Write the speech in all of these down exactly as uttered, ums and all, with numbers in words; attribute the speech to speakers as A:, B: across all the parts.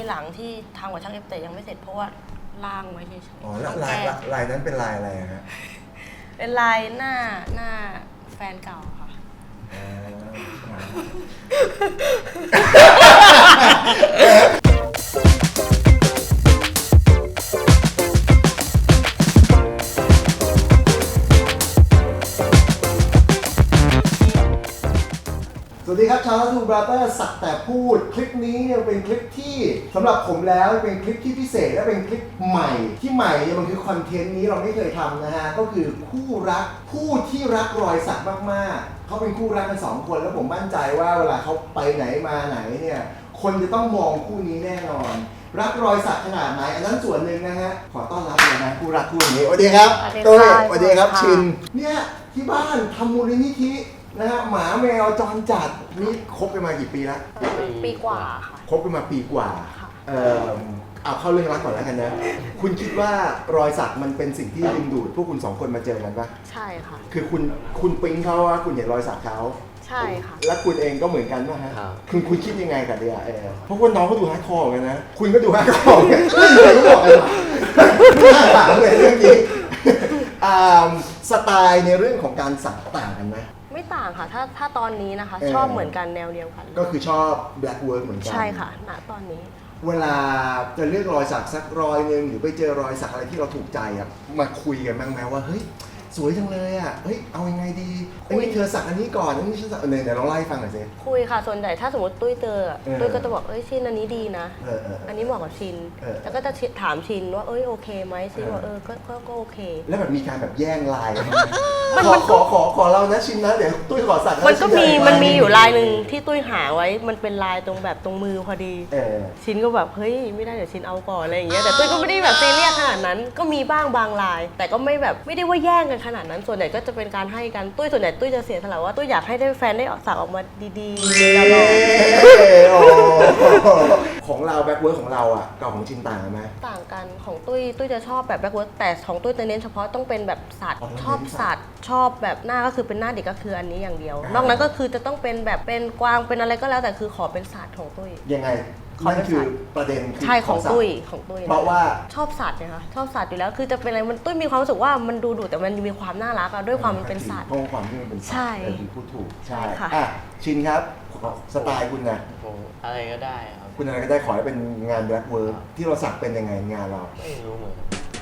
A: หลังที่ทำกับช่างเอฟแต่ยังไม่เสร็จเพราะว่าล่างไว้เฉยๆ
B: อ๋อแล้วลายลายนั้นเป็นลายอะไรฮะ
A: เป็นลายหน้าหน้าแฟนเก่าค่ะ
B: สวัสดีครับชาวทูบราเตอร์สักแต่พูดคลิปนี้เนี่ยเป็นคลิปที่สำหรับผมแล้วเป็นคลิปที่พิเศษและเป็นคลิปใหม่ที่ใหม่เนี่ยมันคือคอนเทนต์นี้เราไม่เคยทำนะฮะก็คือคู่รักผู้ที่รักรอยสักมากๆเขาเป็นคู่รักกันสองคนแล้วผมมั่นใจว่าเวลาเขาไปไหนมาไหนเนี่ยคนจะต้องมองคู่นี้แน่นอนรักรอยสักขนาดไหนอันนั้นส่วนหนึ่งนะฮะขอต้อนรับเลยนะคู่รักคู่นี้สวัสดีครับตุ้ยสวัสดีครับชินเนี่ยที่บ้านทำมูลนิธินะฮะหมาแมวจรจัดนี่คบกันมากี่ปีแล้ว
A: ปีกว่าค่ะ
B: คบกันมาปีกว่าเออเอาเข้าเรื่องรักก่อนแล้วกันนะคุณคิดว่ารอยสักมันเป็นสิ่งที่ดึงดูดพวกคุณสองคนมาเจอกันปะ
A: ใช่ค่ะ
B: คือคุณคุณปิ๊งเขาว่าคุณเห็นรอยสักเขา
A: ใช่ค่ะ
B: แล้วคุณเองก็เหมือนกันป่ะฮะคุณคุณคิดยังไงกับเดียเออเพราะว่าน้องเขาดูฮาร์ดคอร์กันนะคุณก็ดูฮาร์ดคอร์กันไม่เคยบอกเลยไม่น่าถามเลยเรื่องนี้สไตล์ในเรื่องของการสักต่างกันไหม
A: ไม่ต่างค่ะถ้าถ้าตอนนี้นะคะชอบเหมือนกันแนวเดียวกัน
B: ก็คือชอบ black work เหมือนกัน
A: ใช่ค่ะณตอนนี้
B: เวลาจะเลือกรอยสักสักรอยนึงหรือไปเจอรอยสักอะไรที่เราถูกใจอะมาคุยกันบ้างไหมว่าเฮ้ยสวยจังเลยอ่ะเฮ้ยเอายังไงดีอันนี้เธอสักอันนี้ก่อนอันนี้ฉันสักอันไหนเดี๋ยวลองไล่ฟังหน่อยสิ
A: คุยค่ะส่วนใหญ่ถ้าสมมติตุ้ยเจอตุ้ยก็จะบอกเอ้ยชินอันนี้ดีนะอันนี้เหมาะกับชินแล้วก็จะถามชินว่าเอ้ยโอเคไหมชินว่าเออก็ก็โอเค
B: แล้วแบบมีการแบบแย่งลายกันไหมขอขอขอขอเรานะชินนะเดี๋ยวตุ้ยขอสัก
A: มันก็มีมันมีอยู่ลายหนึ่งที่ตุ้ยหาไว้มันเป็นลายตรงแบบตรงมือพอดีชินก็แบบเฮ้ยไม่ได้เดี๋ยวชินเอาก่อนอะไรอย่างเงี้ยแต่ตุ้ยก็ไม่ได้แบบซีเรียสขนาดนั้นก็มีบ้างบางลายแต่ก็ไม่แบบไม่ได้ว่าแย่งกันขนาดนั้นส่วนใหญ่ก็จะเป็นการให้กันตุ้ยส่วนใหญ่ตุ้ยจะเสียสละว่าตุ้ยอยากให้ได้แฟนได้สักออกมาดีๆแล้ว
B: ของเราแบ็คเวิร์คของเราอ่ะกับของชินต่างกันไหม
A: ต่างกันของตุ้ยตุ้ยจะชอบแบบแบ็คเวิร์คแต่ของตุ้ยจะเน้นเฉพาะต้องเป็นแบบสัตว์ชอบสัตว์ชอบแบบหน้าก็คือเป็นหน้าเด็กก็คืออันนี้อย่างเดียวนอกนั้นก็คือจะต้องเป็นแบบเป็นกวางเป็นอะไรก็แล้วแต่คือขอเป็นสัตว์ของตุ้ย
B: ยังไงนั่นคือประเด็น
A: คือใช่ของตุ้ยของตุ้ย
B: เพราะว่า
A: ชอบสัตว์นะคะชอบสัตว์อยู่แล้วคือจะเป็นอะไรมันตุ้ยมีความรู้สึกว่ามันดูดุแต่มันมีความน่ารักอะด้วยความมันเป็นสัตว์
B: เพราะความที่มันเป็นสัตว์ใช่พูดถูกใช่
A: ค่ะ
B: ชินครับสไตล์คุณนะ
C: อะไรก็ได้ครับ
B: คุณอะไรก็ได้ขอให้เป็นงานแบล็คเวิร์คที่เราสักเป็นยังไงงานเรา
C: ไม่รู้เหมือน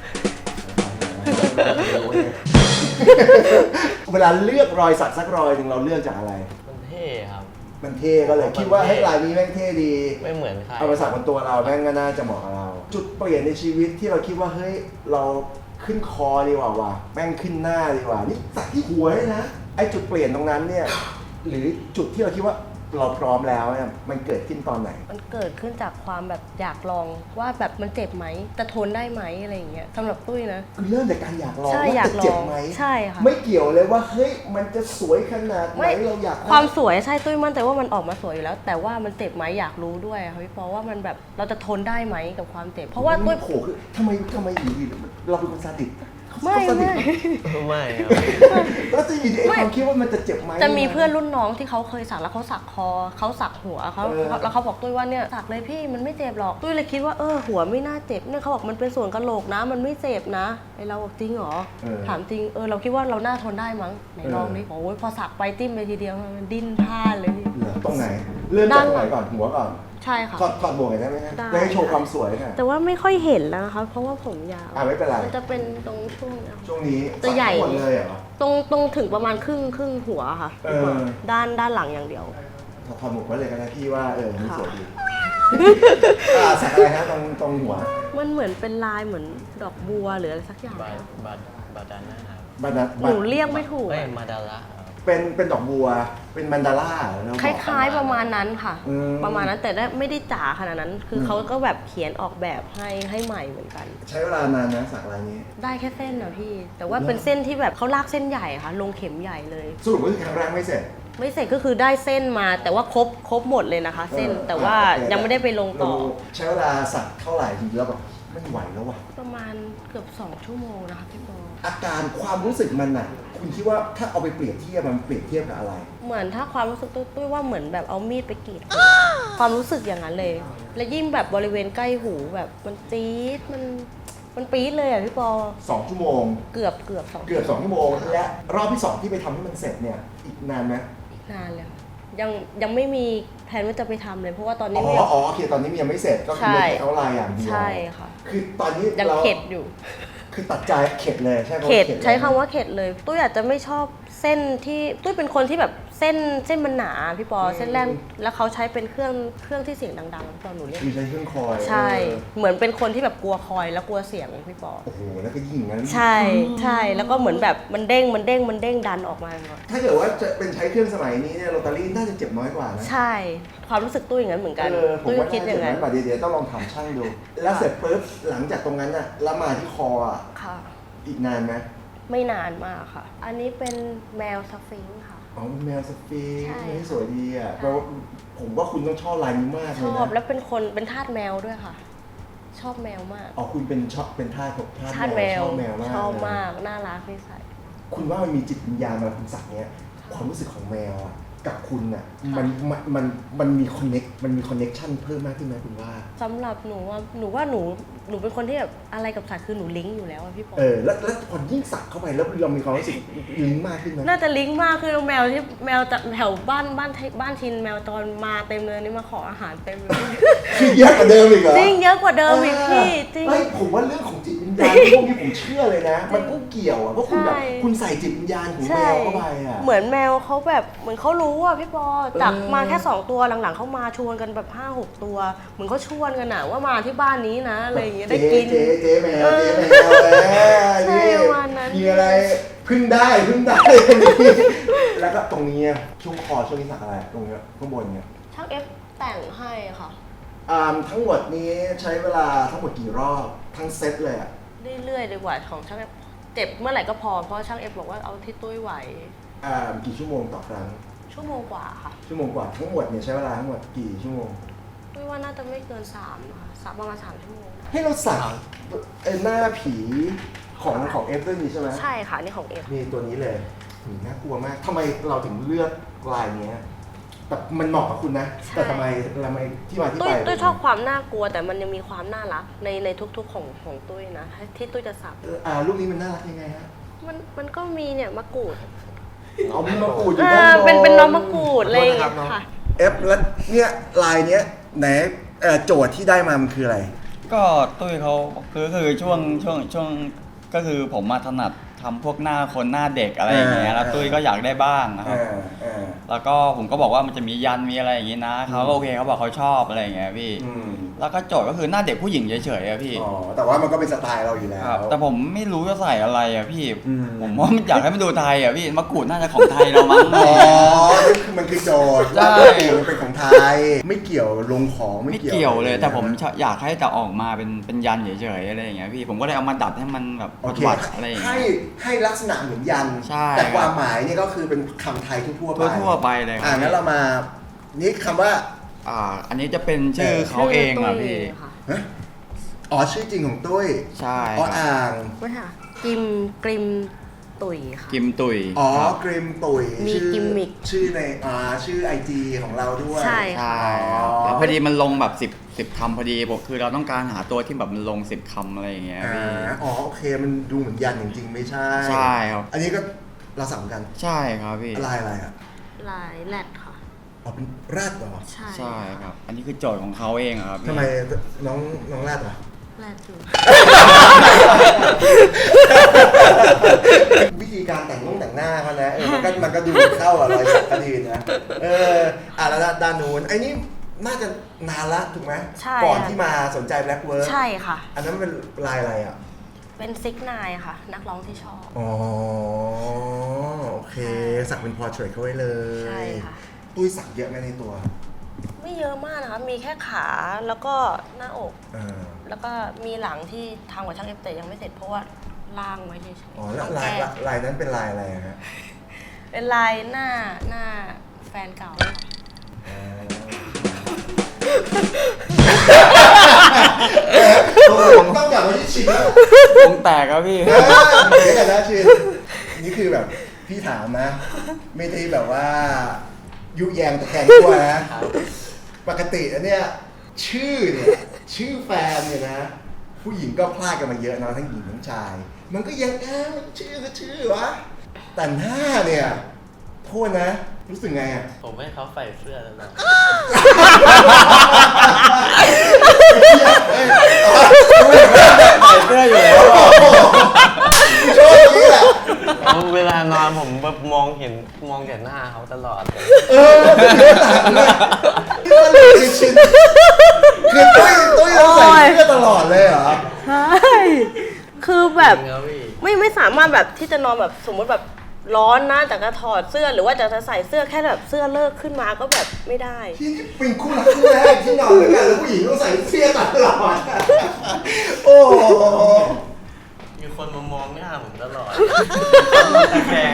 B: เวลาเลือกรอยสักสักรอยหนึ่งเราเลือกจากอะไร
C: มันเท่ครับ
B: มันเท่ก็เลยคิดว่าให้ลายนี้แม่งเท่ดี
C: ไม่เหมือนใคร
B: เอามาสักบนตัวเราแม่งก็น่าจะเหมาะกับเราจุดเปลี่ยนในชีวิตที่เราคิดว่าเฮ้ยเราขึ้นคอดีกว่าว่ะแม่งขึ้นหน้าดีกว่านี่สักที่หัวเลยนะไอ้จุดเปลี่ยนตรงนั้นเนี่ยหรือจุดที่เราคิดว่าเราพร้อมแล้วเนี่ยมันเกิดขึ้นตอนไหน
A: มันเกิดขึ้นจากความแบบอยากลองว่าแบบมันเจ็บไหมจะทนได้ไหมอะไรอย่างเงี้ยสำหรับตุ้ยนะ
B: คือเริ่มจากการอยากลอง
A: ว่า
B: จะเจ็บไหม
A: ใช่ค่ะ
B: ไม่เกี่ยวเลยว่าเฮ้ยมันจะสวยขนาดไหนเราอยาก
A: ความสวยใช่ตุ้ยมั่นใจว่ามันออกมาสวยอยู่แล้วแต่ว่ามันเจ็บไหมอยากรู้ด้วยค่ะพี่ปอว่ามันแบบเราจะทนได้ไหมกับความเจ็บเพราะว่าตุ้ย
B: โผล่คือทำไมทำไมอยู่ดีเราเป็นคนซาดิส
A: ไม่ไม่
C: ไม่
B: แล้วจะอยู่ในความคิดว่ามันจะเจ็บไหม
A: จะมีเพื่อนรุ่นน้องที่เขาเคยสักแล้วเขาสักคอเขาสักหัวเขาแล้วเขาบอกตุ้ยว่าเนี่ยสักเลยพี่มันไม่เจ็บหรอกตุ้ยเลยคิดว่าเออหัวไม่น่าเจ็บเนี่ยเขาบอกมันเป็นส่วนกะโหลกนะมันไม่เจ็บนะไอเราบอกจริงเหรอถามจริงเออเราคิดว่าเราน่าทนได้มั้งไหนลองดิโอ้ยพอสักไปติ้มไปทีเดียวมันดิ้นพลาดเลย
B: ตรงไหนเริ่มจากไหนก่อนหัวก่อน
A: ใช่ค่ะ
B: ถอดถอดหมวกได้ไหมครับได้ให้โชว์ความสวยค่ะ
A: แต่ว่าไม่ค่อยเห็นแล้วนะคะเพราะว่าผมยาว
B: อ่าไม่เป็นไร
A: มันจะเป็นตรงช่วง
B: ช่วงนี้
A: จะใหญ่
B: หมดเลยเหรอ
A: ตรงตรงถึงประมาณครึ่งครึ่งหัวค่ะด้านด้านหลังอย่างเดียว
B: ถอดหมวกไว้เลยก็ได้พี่ว่าเออมันสวยดีสักอะไรฮะตรงตรงหัว
A: มันเหมือนเป็นลายเหมือนดอกบัวหรืออะไรสักอย่าง
C: บาบาบาดาน่า
B: บาดา
A: หนูเรียกไม่ถูก
C: มาดาระ
B: เป็นเป็นดอกบัวเป็นมันดาร่า
A: คล้ายๆประมาณนั้นค่ะประมาณนั้นแต่ไม่ได้จ๋าขนาดนั้นคือเขาก็แบบเขียนออกแบบให้ให้ใหม่เหมือนกัน
B: ใช้เวลานานนะสักลายนี้
A: ได้แค่เส้นนะพี่แต่ว่าเป็นเส้นที่แบบเขาลากเส้นใหญ่ค่ะลงเข็มใหญ่เลย
B: สรุปว่าครั้งแรกไม่เสร็จ
A: ไม่เสร็จก็คือได้เส้นมาแต่ว่าครบครบหมดเลยนะคะเส้นแต่ว่ายังไม่ได้ไปลงต่อ
B: ใช้เวลาสักเท่าไหร่ถึงแล้วแบบไม่ไหวแล้วว่ะ
A: ประมาณเกือบสองชั่วโมงนะคะพี่บอล
B: อาการความรู้สึกมันน่ะคุณคิดว่าถ้าเอาไปเปรียบเทียบมันเปรียบเทียบกับอะไร
A: เหมือนถ้าความรู้สึกตุ้ยตุ้ยว่าเหมือนแบบเอามีดไปกรีดหูความรู้สึกอย่างนั้นเลย และยิ่งแบบบริเวณใกล้หูแบบมันจี๊ดมันมันปี๊ดเลยอ่ะพี่ปอ
B: สองชั่วโมง
A: เกือบเกือบสอง
B: เกือบสองชั่วโมงและรอบที่สองที่ไปทำให้มันเสร็จเนี่ยอีกนานไหม
A: นานเลยค่ะยังยังไม่มีแผนว่าจะไปทำเลยเพราะว่าตอน
B: อ๋
A: นี้
B: อ
A: ไม่
B: อ๋อโอเคตอนนี้มันยังไม่เสร็จก็คือไม่เอาลายอย่างเดียว
A: ใช่ค่ะ
B: คือตอนนี้
A: ยัง
B: เรา
A: เข็ดอยู่
B: คือตัดใจเข็ดเลยใช่ไหม
A: เข็ดใช้คำว่าเข็ดเลยตุ้ยอาจจะไม่ชอบเส้นที่ตุ้ยเป็นคนที่แบบเส้นเส้นมันหนาพี่ปอเส้นแรกแล้วเขาใช้เป็นเครื่องเครื่องที่เสียงดังๆพี่ปอหนูเรียก
B: คือใช้เครื่องคอย
A: ใช่ เหมือนเป็นคนที่แบบกลัวคอยแล้วกลัวเสียงพี่ปอ
B: โอ้โหแล้วก็ยิ่งอย่างนั้น
A: ใช่ใช่แล้วก็เหมือนแบบมันเด้งมันเด้งมันเด้งดันออกมาหมด
B: ถ้าเกิดว่าจะเป็นใช้เครื่องสมัยนี้เนี่ยโรตารี่น่าจะเจ็บน้อยกว่านะ
A: ใช่ความรู้สึกตุ้ยอย่างนั้นเหมือนกัน
B: เออผม
A: ตุ้ย
B: ว่า
A: คิด
B: น่า
A: อ
B: จะ
A: ย่าง
B: เจ็บน้
A: นั้
B: อน ยกว่าเดี๋ยวๆต้องลองถามช่างดู แล้วเสร็จปุ๊บหลังจากตรงนั้นน่ะแล้วมาที่คออ่ะ
A: ค่ะ
B: อีกนานไหม
A: ไม่นานมากค่ะ อันนี้เป็นแมวสฟิงค์ค่ะ
B: อ๋อเป็นแมวสฟิงค์
A: ใช่
B: ไม่สวยดีอ่ะแปลว่าผมว่าคุณต้องชอบลายนี้มาก
A: ช
B: เลย
A: อบ
B: นะ
A: แล้วเป็นคนเป็นทาสแมวด้วยค่ะ ชอบแมวมาก
B: อ๋อคุณเป็นชอบเป็นท่าของท่า
A: ทาส
B: แม
A: แม
B: ว
A: ว
B: ชอบแมวมาก
A: ชอบ
B: เลย
A: มากน่ารักนิสัย
B: คุณว่ามันมีจิตวิญญาณมาคุณสักเนี้ยความรู้สึกของแมวอ่ะกับคุณอ่ะมันมันมันมันมีคอนเน็กมันมีคอนเน็กชันเพิ่มมากขึ้นไหมคุณว่า
A: สำหรับหนูว่าหนูว่าหนูหนูเป็นคนที่แบบอะไรกับสัตว์คือหนูลิงก์อยู่แล้วอะพี่ปอ
B: เออแล้วแล้วพอยิ่งสักเข้าไปแล้วเรามีความรู้สึกลิงก์มากขึ้นไหม
A: น่าจะลิงก์มากคือแมวที่แมวจากแถวบ้านบ้านบ้านชินแมวจรมาเต็มเลยนี่มาขออาหารเต็มเลย
B: คือเยอะกว่าเดิมอีกเหรอ
A: จริงเยอะกว่าเดิมอีกพี่จริง
B: เฮ้ยผมว่าเรื่องของจิตวิญญาณพวกนี้ผมเชื่อเลยนะ มันก็เกี่ยวอ่ะเพราะคุณแบบ
A: ใช่
B: คุณใส่จิตวิญญาณของแม
A: ใช่
B: วเข้าไปอ่ะ
A: เหมือนแมวเขาแบบเหมือนเขารู้อ่ะพี่ปอจาก
B: เออ
A: มาแค่สองตัวหลังๆเขามาชวนกันแบบห้าหกตัว เหมือนเขาชวนกันอะว่ามาที่บ้านนี้นะอะไรอย่างเงี้ยได้กิน
B: เจ๊เจ๊แมวเจ๊แมวเออ
A: ใช่
B: นี่
A: ประมาณนั้น
B: มีอะไรพึ่งได้พึ่งได้ แล้วก็ตรงนี้ช่วงคอช่วงนี้สักอะไรตรงเนี้ยข้างบนเนี่ย
A: ช่างเอฟแต่งให้ค่ะ
B: อ่าทั้งหมดนี้ใช้เวลาทั้งหมดกี่รอบทั้งเซตเลยอ่ะ
A: เรื่อยๆดีกว่าของช่างเอฟเจ็บเมื่อไหร่ก็พอเพราะช่างเอฟบอกว่าเอาที่ตุ้ยไหว
B: อ่ากี่ชั่วโมงต่อครั้ง
A: ชั่วโมงกว่าค่ะ
B: ชั่วโมงกว่าทั้งหมดเนี่ยใช้เวลาทั้งหมดกี่ชั่วโมง
A: ตุ้ยว่าน่าจะไม่เกินสามค่ะสามประมาณสามชั่วโมง
B: ให้เราสักเอ่อหน้าผีของของเอฟด้วยนี่ใช่ไหม
A: ใช่ค่ะนี่ของเอฟ
B: นี่ตัวนี้เลยหืมน่ากลัวมากทำไมเราถึงเลือกลายเนี้ยแต่มันเหมาะกับคุณนะ แต่ทำไมทำไมที่มาที่
A: ตุ้
B: ไป
A: ยตุ้ยชอบความน่ากลัวแต่มันยังมีความน่ารักในในทุกๆของของตุ้ยนะที่ตุ้ยจะสัก
B: เอ่ออ่ารูปนี้มันน่ารักยังไงฮะ
A: มันมันก็มีเนี่ยมะกรูด
B: เอามีมะกรูดอยู่
A: เอ
B: ด้าน
A: อบ
B: น
A: เป็นเป็นน้องมะกรูดอะไรอย่างเงี้ยค่ะ
B: เอฟแล้วเนี่ยลายเนี้ยไหนเอ่อโจทย์ที่ได้มามันคืออะไร
D: ก็ตุ้ยเขาคือคือช่วงช่วงช่วงก็คือผมมาถนัดทำพวกหน้าคนหน้าเด็กอะไรอย่างเงี้ยแล้วตุ้ยก็อยากได้บ้างนะครับ
B: อ่าอ่า
D: แล้วก็ผมก็บอกว่ามันจะมียันมีอะไรอย่างงี้นะเขาก็โอเคเขาบอกเขาชอบอะไรอย่างเงี้ยพี่
B: อืม
D: แล้วก็โจทย์ก็คือหน้าเด็กผู้หญิงเฉยๆอะพี่
B: อ๋อแต่ว่ามันก็เป็นสไตล์เราอยู่แล้ว
D: ครับแต่ผมไม่รู้จะใส่อะไรอะพี่
B: อืม
D: ผมว่ามันอยากให้มันดูไทยอะพี่มะกรูดน่าจะของไทยเรามั้ง
B: อ๋อนี่คือมันคือโจทย์
D: ใช่
B: มันเป็นของไทย ไม่เกี่ยวลงของไม่
D: ไม่
B: เกี่ยว
D: เกี่ยวเลย แต่ผม
B: นะ
D: อยากให้แต่ออกมาเป็นเป็นยันเฉยๆอะไรอย่างเงี้ยพี่ผมก็เลยเอามาดัดให้มันแบบ
B: โอเค
D: วัดๆอะไรอย่างเงี้
B: ให้
D: ย
B: ให้ลักษณะเหมือนยัน
D: ใช่
B: แต่ความหมายเนี่ยก็คือเป็นคำไทยทั่วๆไป
D: ทั่วๆไปเลยค
B: อ่า
D: รับ
B: งั้นเรามานี่คำว่า
D: อ่าอันนี้จะเป็นชื่อเขาเองอ่ะพี่
A: ค่ะ
B: ฮะอ๋อชื่อจริงของตุ้ย
D: ใช่
B: อ๋อ
D: ครับ
B: อ่าง
A: ไม่ค่ะกิมกริมตุ๋ยค่ะ
D: กิมตุย
B: อ๋อ
D: ครับ
B: กริมตุ๋ย
A: มี
B: ชื่อ
A: กิมมิค
B: ชื่อในอ่าชื่อไอจีของเราด้วย
A: ใช่
D: ใช่
B: อ๋อ
D: แล้วพอดีมันลงแบบสิบสิบคำพอดีผมคือเราต้องการหาตัวที่แบบมันลงสิบคำอะไรอย่างเงี้ย
B: อ่า
D: พี่
B: อ๋อโอเคมันดูเหมือนยันจริงๆไม่ใช่
D: ใช่ครับ
B: อันนี้ก็เราสั่งกัน
D: ใช่ครับพี่
B: ลายอะไรอ่ะ
A: ลายแรดค่ะ
B: อ๋อเป็นแรดเหรอ
A: ใช่
D: ใช่ครับ อันนี้คือโจทย์ของเขาเองอะครับพี่
B: ทำไมน้องน้องแรดเหรอ
A: แรดอยู่
B: วิธีการแต่งนุ่งแต่งหน้าเขานะเออมันก็มันก็ดูเข้ากับรอยสักกระดีนะเอออ่ะแล้วด้านนู้นไอ้นี่น่าจะนานละถูกไหม
A: ใช่
B: ก่อนที่มาสนใจแบล็กเวิร์
A: ใช่ค่ะ
B: อันนั้นเป็นลายอะไรอ่ะ
A: เป็นซิกนายค่ะ นักร้องที่ชอบ
B: อ๋อโอเค สักเป็นพอร์เทรตเขาไว้เลย
A: ใช่ค่ะ
B: ตุ้ยสักเยอะไหมในตัว
A: ไม่เยอะมากนะคะ มีแค่ขาแล้วก็หน้าอก
B: อ่า
A: แล้วก็มีหลังที่ทำกับช่างเอฟแต่ยังไม่เสร็จเพราะว่าล่างไว้เฉยๆ
B: อ๋อแล้ว
A: ต้อง
B: ลาย
A: แก้
B: ลายนั้นเป็นลายอะไรอะฮะ
A: เป็นลายหน้าหน้าแฟนเก่าค่ะ
B: ผมต้อง
D: วงแตกครับพี่
B: เออเดี๋ยวกันนะชินนี่คือแบบพี่ถามนะ ไม่ได้แบบว่ายุแยงตะแคงตัวนะ ปกติอันเนี้ยชื่อเนี่ยชื่อแฟนเนี่ยนะ ผู้หญิงก็พลาดกันมาเยอะเนาะทั้งหญิงทั้งชาย มันก็ยังเอ้าชื่อก็ชื่อวะแต่หน้าเนี่ยโทษนะ รู้สึกไงอ่ะ
C: ผมให้เขาใส่เสื้อแล้วนะ
D: ใส่เสื้ออยู่แล้ว
B: โชว์นี้แหละ
C: เวลานอนผมแบบมองเห็นมองแต่หน้าเขาตลอดเลย
B: เออเป็นเรื่องต่างเลยนี่มันเลยชินคือตุ้ยตุ้ยต้องใส่เสื้อตลอดเลยเหรอ
A: ใช่คือแบบ
C: จริงครับพี่
A: ไม่ไม่สามารถแบบที่จะนอนแบบสมมติแบบร้อนนะแต่ก็ถอดเสื้อหรือว่าจะใส่เสื้อแค่แบบเสื้อเลิกขึ้นมาก็แบบไม่ได้
B: ที่นี่เป็นคู่รักคู่แรกที่นอนด้วยกันแล้วผู้หญิงต้องใส่เสื้อตลอดโอ้โห
C: มีคนมามองหน้าผมตลอดตะแคง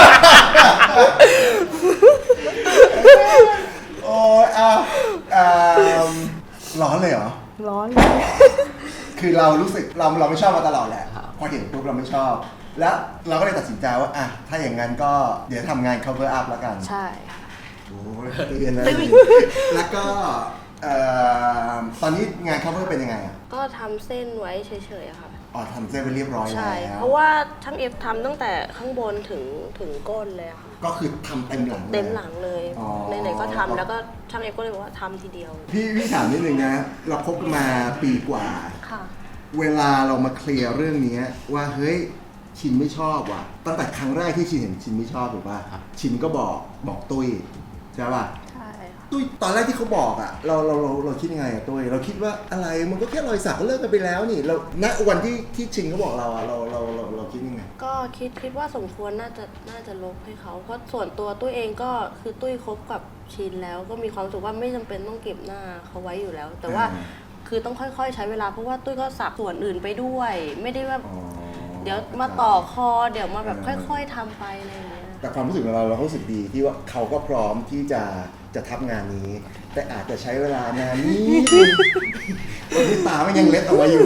B: โอ้ยอ่ะอ่าร้อนเลยเหรอ
A: ร้อน
B: คือเรารู้สึกเราเราไม่ชอบมาตลอดแหละพอเห็นปุ๊บเราไม่ชอบ แล้วเราก็เลยตัดสินใจว่าอ่ะถ้าอย่างนั้นก็เดี๋ยวทำงาน cover up แล้วกัน
A: ใช่
B: โอ้ยตื่นนะแล้วก็เอ่อตอนนี้งาน cover เป็นยังไงอ่ะ
A: ก็ทำเส้นไว้เฉยๆอะค่ะ
B: อ๋อทำเส้นไปเรียบร้อยแล้ว
A: ใช่ เพราะว่าช่างเอฟทำตั้งแต่ข้างบนถึงถึงก้นเลยอะค่ะ
B: ก็คือทำเต็มหลังย
A: เต็มหลังเลย
B: อ๋อ
A: ไหนๆก็ทำแล้วก็ช่างเอฟก็เลยบอกว่าทำทีเดียว
B: พี่พี่ถามนิดนึงนะ เราคบกันมาปีกว่า
A: ค่ะ
B: เวลาเรามาเคลียร์เรื่องนี้ว่าเฮ้ยชินไม่ชอบว่ะตั้งแต่ครั้งแรกที่ชินเห็นชินไม่ชอบถูกป่ะชินก็บอกบอกตุ้ยใช่ป่ะ
A: ใช่ค่ะ
B: ตุ้ยตอนแรกที่เขาบอกอ่ะเราเราเราเราคิดยังไงอ่ะตุ้ยเราคิดว่าอะไรมันก็แค่รอยสักก็เลิกกันไปแล้วนี่เราณวันที่ที่ชินเขาบอกเราอ่ะเราเราเราเราคิดยังไง
A: ก็คิดคิดว่าสมควรน่าจะน่าจะลบให้เขาเพราะส่วนตัวตุ้ยเองก็คือตุ้ยคบกับชินแล้วก็มีความรู้สึกว่าไม่จำเป็นต้องเก็บหน้าเขาไว้อยู่แล้ว แต่ว่า
B: อ่า
A: คือต้องค่อยๆ ใช้เวลาเพราะว่าตุ้ยก็สักส่วนอื่นไปด้วย ไม่ได้ว่า
B: อ๋อ
A: เดี๋ยวมาต่อคอเดี๋ยวมาแบบค่อย ๆทำไปอะไรอย่างเงี้ย
B: แต่ความรู้สึกของเราเราก็รู้สึกดีที่ว่าเขาก็พร้อมที่จะจะทับงานนี้ แต่อาจจะใช้เวลานานนิดนึงวันนี้ตามันยังเล็ดออกมาอยู่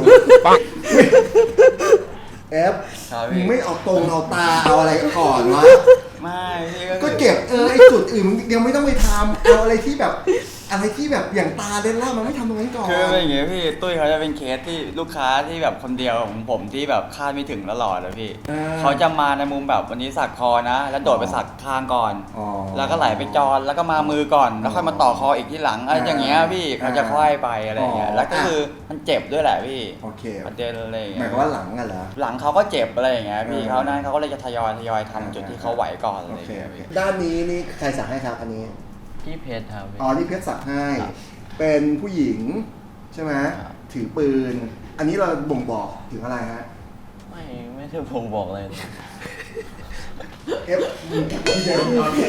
B: เอฟ
D: ครับพี่
B: มึงไม่เอาตรงเอาตาเอาอะไรก่อนวะ
D: ไม่พี่
B: ก็เก็บเออไอ้จุดอื่นมึงยังไม่ต้องไปทำเอาอะไรที่แบบอะไรที่แบบอย่างตาเดนล่ามันไม่ทำตรงนั้นก่อน
D: คือเป็นอย่างงี้พี่ตุ้ยเขาจะเป็นเคสที่ลูกค้าที่แบบคนเดียวของผมที่แบบคาดไม่ถึงตลอดเลยพี่
B: อ่า
D: เขาจะมาในมุมแบบวันนี้สักคอนะ แล้วโดดไปสักข้างก่อน
B: อ๋อ
D: แล้วก็ไหลไปจอนแล้วก็มามือก่อน แล้วค่อยมาต่อคออีกที่หลังอะไรอย่างเงี้ยพี่
B: อ่า
D: เขาจะค่อยไปอะไรอย่างเงี้ย
B: อ๋อ
D: แล้วก็คือมันเจ็บด้วยแหละพี่
B: โอเค
D: ประเด็นอะไรอย่าง
B: หมา
D: เงี้
B: ย
D: ย
B: ความว่าหลังอะเหรอ
D: หลังเขาก็เจ็บอะไรอย่างเงี้ยพี่
B: เออ
D: เขานั้นเขาก็เลยจะทยอยทยอยทำจุดที่เขาไหวก่อนอะ
B: โอ
D: ไรอ
B: เค
D: ย่าง
B: โอ
D: เงี้ย
B: เค
D: พี่
B: ด้านนี้นี่ใครสักให้ครับอันนี้
C: พี่เพชรครับ
B: อ๋อนี่เพชรสักให้ เป็นผู้หญิงใช่ไหม
C: ครับ
B: ถือปืน อันนี้เราบ่งบอกถึงอะไรฮะ
C: ไม่ไม่ใช่ผมบอกเลย
B: เอฟมึงพี่เจม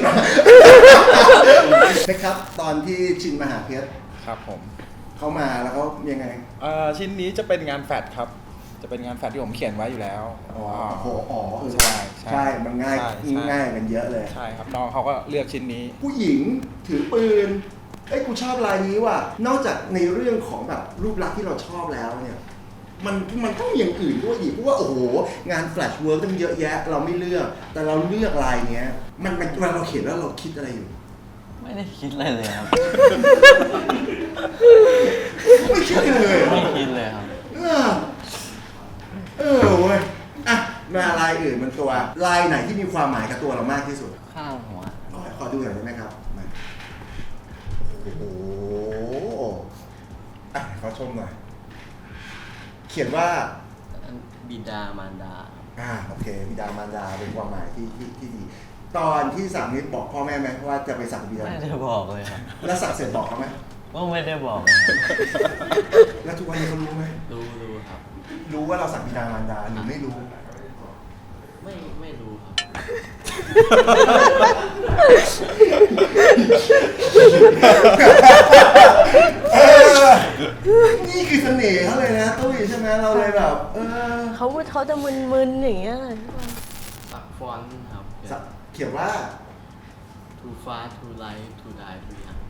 B: นะครับ ตอนที่ชินมาหาเพชร
E: ครับผม
B: เขามาแล้วเขายังไง
E: เอ่อชิ้นนี้จะเป็นงานแฟดครับ จะเป็นงานแฟดที่ผมเขียนไว้อยู่แล้ว
B: อ๋อโหอ๋อเออ
E: ใช่ใช่
B: ใช่ มันง่าย
E: ใช่ใช่
B: ง่ายกันเยอะเลย
E: ใช่ครับน้องเขาก็เลือกชิ้นนี้
B: ผู้หญิงถือปืน เอ้ยกูชอบลายนี้ว่ะ นอกจากในเรื่องของแบบรูปลักษณ์ที่เราชอบแล้วเนี่ย มันมันต้องมีอย่างอื่นด้วยอีกเพราะว่าโอ้โห งานแฟลชเวิร์กต้องเยอะแยะ เราไม่เลือก แต่เราเลือกลายเนี้ย มันมันเวลาเราเขียนแล้วเราคิดอะไรอยู่
C: ไม่ได้คิดอะไรเลยครับ
B: ไม่คิดเลย
C: ไม่คิดเลยครับ
B: เออเออเว้ย อ่ะ มาลายอื่นมันตัว ลายไหนที่มีความหมายกับตัวเรามากที่สุด
C: ข้างหัว
B: ขอขอดูหน่อยได้ไหมครับมาโอ้โหอ่ะขอชมหน่อย เขียนว่า
C: บิดามารดา
B: อ่า โอเค บิดามารดาเป็นความหมายที่ที่ที่ดี ตอนที่สักนิดบอกพ่อแม่ไหมว่าจะไปสักบิดา
C: ไม่ได้บอกเลยครับ
B: แล้วสักเสร็จบอกเขาไหม
C: ว่าไม่ได้บอกเลยครับ
B: แล้วทุกวันนี้เขารู้ไหม
C: รู้รู้ครับ
B: รู้ว่าเราสักบิดามารดาหรือไม่รู้
C: ไม่ไม่รู้ครับ
B: เออ นี่คือเสน่ห์เขาเลยนะตุ้ยใช่ไหมเราเลยแบบ เออ
A: เขาเขาจะมึนๆอย่างเงี้ย
C: สักฟอนต์ครับ
B: สักเขียนว่า
C: too far too light too die too young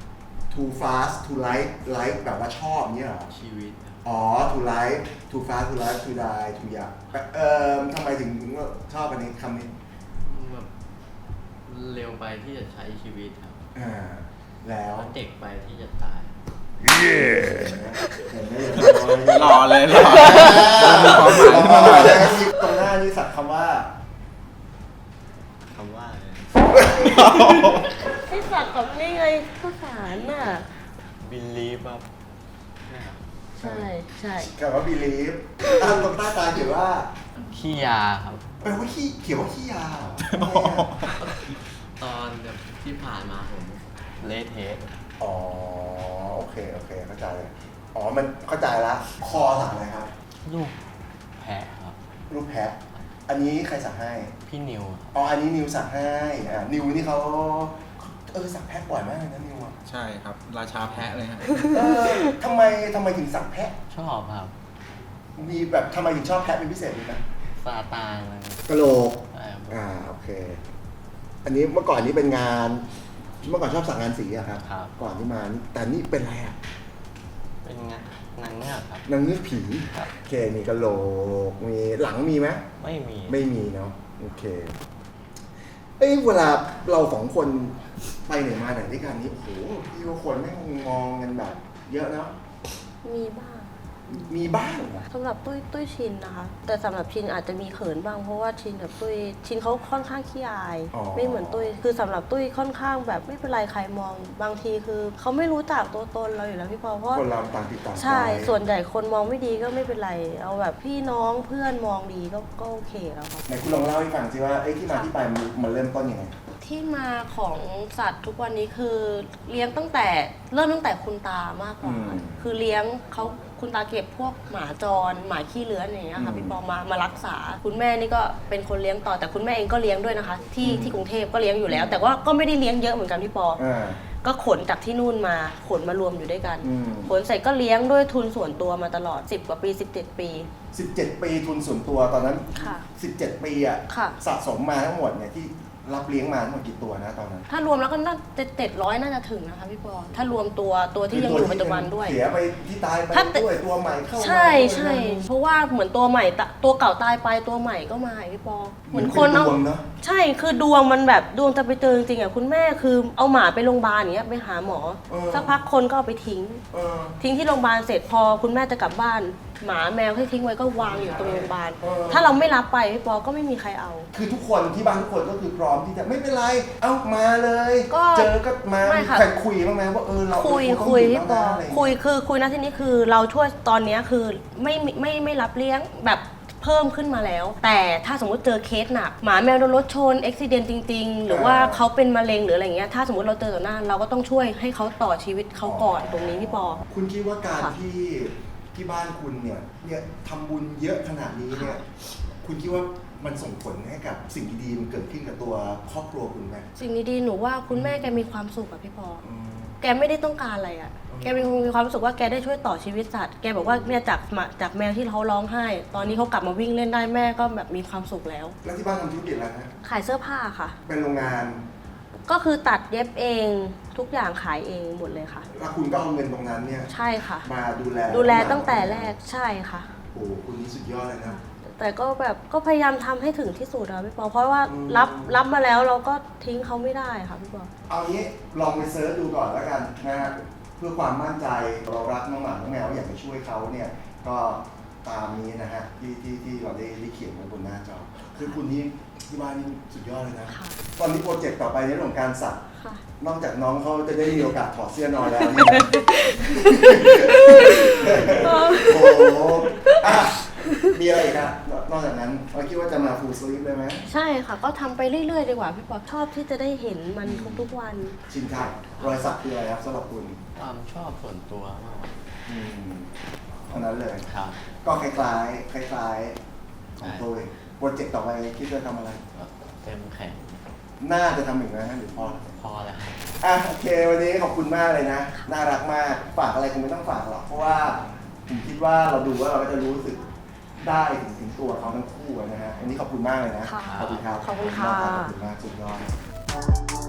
B: too fast to like like แบบว่าชอบเนี่ยเหรอ
C: ชีวิตครับ
B: อ๋อ to like too fast to like to die to อยากเอ่อทำไมถึงชอบอันนี้คำนี้
C: แบบเร็วไปที่จะใช้ชีวิตครับ
B: อ่าแล้ว
C: แล้วเด็กไปที่จะตาย
B: เห็นไหม
D: หล่อเลยหล่อ
B: มีความหมายความหมายแล้วที่ตรงหน้านี่สักคำว่า
C: คำว่าอะไร
A: ให้สักกับนี่ไงข้าวสารน่ะ
C: บิลลีฟครับ
A: ใช่ใช่
B: คำว่า believe อ่านตรงใต้ตาเขียนว่า
C: ขี้ยาครับ
B: แปลว่าขี้เขียนว่าขี้ยาเหรอทำไมอะ
C: ตอนแบบที่ผ่านมาผมเละเทะ
B: อ๋อโอเคโอเคเข้าใจอ๋อมันเข้าใจละคอสักอะไรครับ
C: ลูกแพะครับ
B: รูปแพะอันนี้ใครสักให้
C: พี่นิว
B: อ๋ออันนี้นิวสักให้อ่านิวนี่เขาเออสักแพะบ่อยมากเลยนะนิวอ่ะ
E: ใช่ครับ ราชาแพะเลยฮะ
B: เออทำไมทำไมถึงสักแพะ
C: ชอบครับ
B: มีแบบทำไมถึงชอบแพะเป็นพิเศษดีนะ
C: ซาตานอะไร
B: กะโหลก
C: ใช่ครับ
B: อ่าโอเค อันนี้เมื่อก่อนนี้เป็นงาน เมื่อก่อนชอบสักงานสีอะครับ
C: ครับ
B: ก่อนที่มานี่แต่นี่เป็นอะไรอะ
C: เป็นงานนางเงือกครับ
B: นางเงือกผี
C: ครับ
B: โอเคมีกะโหลกมีหลังมีไหม
C: ไม่มี
B: ไม่มีเนาะโอเคเอ้ยเวลาเราสองคนไปไหนมาไหนด้วยกันนี่โอ้โหพี่ว่าคนแม่งมองกันแบบ เยอะเนาะ
A: มีบ้าง
B: มีบ้างเหรอ
A: สำหรับตุ้ยตุ้ยชินนะคะ แต่สำหรับชินอาจจะมีเขินบ้างเพราะว่าชินกับตุ้ยชินเขาค่อนข้างขี้อาย ไม่เหมือนตุ้ยคือสำหรับตุ้ยค่อนข้างแบบไม่เป็นไรใครมองบางทีคือเขาไม่รู้จักตัวตนเราอยู่แล้วพี่ปอเพราะ
B: คนเราต่างติดต่าง
A: ใช่
B: ไป
A: ส่วนใหญ่คนมองไม่ดีก็ไม่เป็นไร เอาแบบพี่น้องเพื่อนมองดีก็ก็โอเคแล้วครับ
B: ไหนคุณลองเล่าให้ฟังสิว่าไอ้ที่มาที่ไปมันมันเริ่มต้นยังไง
A: ที่มาของสัตว์ทุกวันนี้คือเลี้ยงตั้งแต่เริ่มตั้งแต่คุณตามากกว่า
B: อืม
A: คือเลี้ยงเขาคุณตาเก็บพวกหมาจรหมาขี้เลื้อนอย่างเงี้ย
B: อื
A: ค่ะ
B: ม
A: พี่ปอมามารักษา คุณแม่นี่ก็เป็นคนเลี้ยงต่อแต่คุณแม่เองก็เลี้ยงด้วยนะคะ ที่
B: อืม
A: ที่กรุงเทพก็เลี้ยงอยู่แล้ว แต่ว่าก็ไม่ได้เลี้ยงเยอะเหมือนกันพี่ปอ
B: อ่า
A: ก็ขนจากที่นู่นมาขนมารวมอยู่ด้วยกัน
B: อืม
A: ขนเสร็จก็เลี้ยงด้วยทุนส่วนตัวมาตลอดสิบกว่าปีสิบเจ็ดปี
B: สิบเจ็ดปีทุนส่วนตัวตอนนั้น
A: ค่ะ
B: สิบเจ็ดปีอะ
A: ค่ะ
B: สะสมมาทั้งหมดเนี่ยที่รับเลี้ยงมาทั้งหมดกี่ตัวนะตอนนั้น
A: ถ้ารวมแล้วก็น่าจะเจ็ดร้อยน่าจะถึงนะคะพี่ปอถ้ารวมตัวตัวที่ยังอยู่ปัจจุบันด้วย
B: เสียไปที่ตายไป
A: ถ้า
B: ด้วยตัวใหม่เข้ามา
A: ใช่
B: ด้วย
A: ใช่
B: นะ
A: เพราะว่าเหมือนตัวใหม่ตะตัวเก่าตายไปตัวใหม่ก็มาอีกพี่ปอเหมือนคน
B: เป็
A: เอา
B: ดวงเนาะ
A: ใช่คือดวงมันแบบดวงจะไปเจอจริงๆอ่ะคุณแม่คือเอาหมาไปโรงพยาบาลอย่างเงี้ยไปหาหมอ
B: เออ
A: สักพักคนก็เอาไปทิ้ง
B: เออ
A: ทิ้งที่โรงพยาบาลเสร็จพอคุณแม่จะกลับบ้าน หมาแมวที่ทิ้งไว้ก็วางอยู่ตรงโรงพยาบาล
B: เออ
A: ถ้าเราไม่รับไปพี่ปอก็ไม่มีใครเอา
B: คือทุกคนที่บ้านทุกคนก็คือพร้อมที่จะไม่เป็นไร เอ้ามาเลย
A: ก็
B: เจอก็มา
A: ไม่ค่ะ
B: ใครคุยบ้างไหมว่าเออเรา
A: คุย
B: เราต้อง
A: คุย
B: ห
A: พี่ป
B: แล้
A: อ
B: วนะอะไรอย่าง
A: คุ
B: เงี้ย
A: ยคือคุยนะที่นี้คือเราช่วยตอนเนี้ยคือไม่ไม่ไม่ไม่รับเลี้ยงแบบเพิ่มขึ้นมาแล้ว แต่ถ้าสมมติเจอเคสหนักหมาแมวโดนรถชนอุบิเหตุจริง ๆ หรือว่าเขาเป็นมะเร็งหรืออะไรเงี้ยถ้าสมมติเราเจอต่อหน้าเราก็ต้องช่วยให้เขาต่อชีวิตเขาก่อนตรงนี้พี่ปอ
B: คุณคิดว่าการ
A: ค่ะ
B: ที่ที่บ้านคุณเนี่ยเนี่ยทำบุญเยอะขนาดนี้เนี่ยคุณคิดว่ามันส่งผลให้กับสิ่งดีๆมันเกิดขึ้นกับตัวครอบครัวคุณไหม
A: สิ่งดีๆหนูว่าคุณแม่แกมีความสุขอะพี่ปอ
B: อืม
A: แกไม่ได้ต้องการอะไรอะ แกมีมีความรู้สึกว่าแกได้ช่วยต่อชีวิตสัตว์ แกบอกว่าเนี่ยจากมาจากแมวที่เขาร้องไห้ ตอนนี้เขากลับมาวิ่งเล่นได้แม่ก็แบบมีความสุขแล้ว
B: แล้วที่บ้านทำธุรกิจอะไรนะ
A: ขายเสื้อผ้าค่ะ
B: เป็นโรงงาน
A: ก็คือตัดเย็บเองทุกอย่างขายเองหมดเลยค่ะ
B: แล้วคุณก็เอาเงินตรงนั้นเนี่ย
A: ใช่ค่ะ
B: มาดูแล
A: ดูแลตั้งแต่แรกใช่ค่ะ
B: โอ้โหคุณนี่สุดยอดเลยนะ
A: แต่ก็แบบก็พยายามทำให้ถึงที่สุดอะพี่ปอเพราะว่า
B: อืม
A: รับรับมาแล้วเราก็ทิ้งเขาไม่ได้ค่ะพี่ปอ
B: เอางี้ลองไปเซิร์ชดูก่อนแล้วกันนะฮะเพื่อความมั่นใจเรารักน้องหมาน้องแมวอยากจะช่วยเขาเนี่ยก็ตามนี้นะฮะที่ที่ที่เราได้ได้เขียนไว้บนหน้าจอคือคุณนี่ที่บ้านนี่สุดยอดเลยนะ
A: ค่ะ
B: ตอนนี้โปรเจกต์ต่อไปในเรื่องของการสัก
A: ค่ะ
B: นอกจากน้องเขาจะได้มีโอกาสถอดเสื้อนอนแล้วเนี่ย โอ้โหอ่ะมีอะไรอีกอะนอกจากนั้นเราคิดว่าจะมาฟูลสลีปได้ไหม
A: ใช่ค่ะ ก็ทำไปเรื่อยๆดีกว่าพี่ปอชอบที่จะได้เห็นมันทุกๆวัน
B: ชินชัยรอยสักคืออะไรครับสำหรับคุณ
C: ความชอบส่วนตัวมากกว่า
B: อืมเท่านั้นเลย
C: ครับ
B: ก็คล้ายๆคล้ายๆของตัวเองโปรเจกต์ต่อไปคิดจะทำอะไร
C: ก็เต็มแข็ง
B: น่าจะทำอีกนะฮะหรือพอ
C: พอแล้วครับ
B: อ่ะโอเควันนี้ขอบคุณมากเลยนะ น่ารักมากฝากอะไรคงไม่ต้องฝากหรอกเพราะว่าผมคิดว่าเราดูว่าเราก็จะรู้สึกได้ถึงถึงตัวเขาทั้งคู่นะฮะอันนี้ขอบคุณมากเลยนะ
A: ค่ะ
B: ขอบคุณครับ
A: ขอบคุณค่ะ
B: ขอบคุณมากสุดยอด